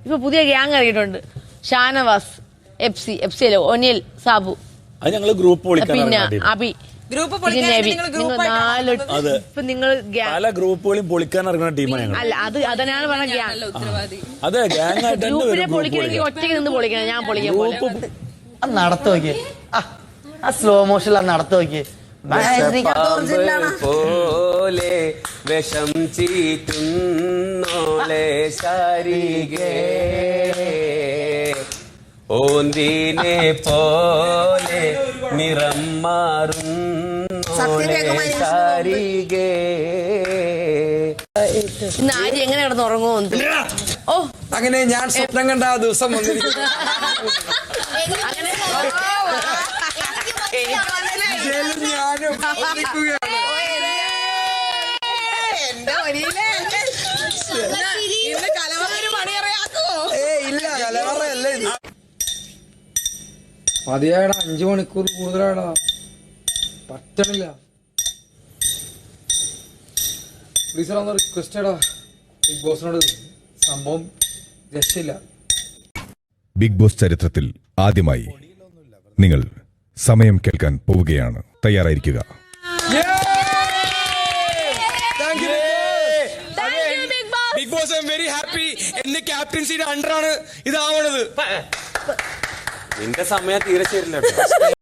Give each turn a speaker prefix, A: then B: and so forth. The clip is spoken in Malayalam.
A: ഇപ്പൊ പുതിയ ഗ്യാങ് ഇറങ്ങിയിട്ടുണ്ട്. ഷാനവാസ്, എഫ്സിയിലെ ഒനിൽ, സാബു,
B: അത് ഞങ്ങള് ഗ്രൂപ്പ്
A: പിന്നെ അബി.
C: ഗ്രൂപ്പ്
A: നിങ്ങൾ
B: പല ഗ്രൂപ്പുകളും പൊളിക്കാൻ ഇറങ്ങുന്ന ടീമാണ് ഞങ്ങൾ.
A: അല്ല, അതനാണ് പറഞ്ഞ ഗ്യാങ്.
B: അതെ, ഗ്യാങ് ആയിട്ട്
A: ഗ്രൂപ്പിനെ പൊളിക്കണമെങ്കിൽ ഒറ്റയ്ക്ക് നിന്ന് പൊളിക്കണം. ഞാൻ പൊളിക്കാൻ
D: നടത്തു നോക്കിയേ, ആ സ്ലോ മോഷൻ നടത്തു നോക്കിയേ.
E: പോലെ വിഷം ചീറ്റുന്നോളെ ശാരികേ, ഓന്തിനെ പോലെ നിറം മാറുന്നോളെ ശാരികേ.
A: ഇന്ന് ആര് എങ്ങനെ കിടന്ന് ഉറങ്ങുമോ? ഓ,
F: അങ്ങനെ ഞാൻ സ്വപ്നം കണ്ട ആ ദിവസം വന്നിരിക്കുന്നു. ഞാനും ഇല്ല, കലവറയല്ലേ. മതിയായടാ, 5 മണിക്കൂർ കൂടുതലാടാ, പറ്റണില്ല. പ്ലീസ് ഒന്ന് റിക്വസ്റ്റ് ആടാ ബിഗ് ബോസിനോട്, സംഭവം രക്ഷയില്ല.
G: ബിഗ് ബോസ് ചരിത്രത്തിൽ ആദ്യമായി നിങ്ങൾ സമയം കേൾക്കാൻ പോവുകയാണ്. തയ്യാറായിരിക്കുക.
F: Bigg Boss I am very happy. എന്റെ ക്യാപ്റ്റൻസിയുടെ അണ്ടറാണ് ഇതാവണത്.
E: നിന്റെ സമയം തീരെ ശരിയല്ല.